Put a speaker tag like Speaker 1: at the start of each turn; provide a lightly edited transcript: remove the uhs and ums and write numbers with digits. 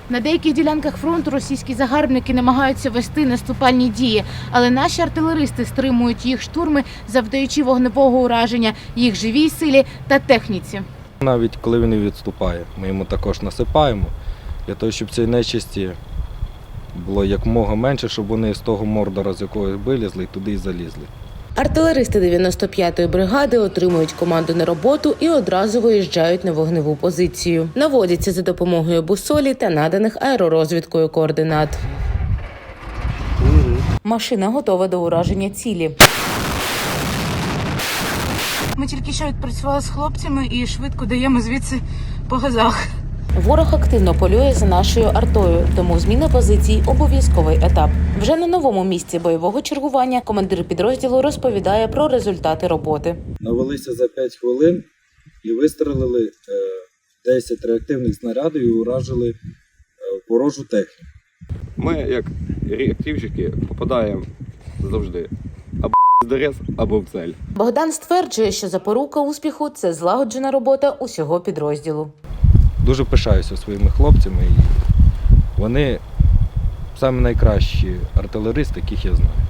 Speaker 1: На деяких ділянках фронту російські загарбники намагаються вести наступальні дії, але наші артилеристи стримують їх штурми, завдаючи вогневого ураження їх живій силі та техніці.
Speaker 2: Навіть коли він відступає, ми йому також насипаємо, для того, щоб цієї нечисті було якомога менше, щоб вони з того мордора, з якого вилізли, туди і залізли.
Speaker 3: Артилеристи 95-ї бригади отримують команду на роботу і одразу виїжджають на вогневу позицію. Наводяться за допомогою бусолі та наданих аеророзвідкою координат. Машина готова до ураження цілі.
Speaker 1: Ми тільки що відпрацювали з хлопцями і швидко даємо звідси по газах.
Speaker 3: Ворог активно полює за нашою артою, тому зміна позицій – обов'язковий етап. Вже на новому місці бойового чергування командир підрозділу розповідає про результати роботи.
Speaker 2: Навелися за 5 хвилин і вистрелили 10 реактивних снарядів і уражили ворожу техніку.
Speaker 4: Ми, як реактивщики, попадаємо завжди або в дерез, або в цель.
Speaker 3: Богдан стверджує, що запорука успіху – це злагоджена робота усього підрозділу.
Speaker 2: Дуже пишаюся своїми хлопцями, і вони самі найкращі артилеристи, яких я знаю.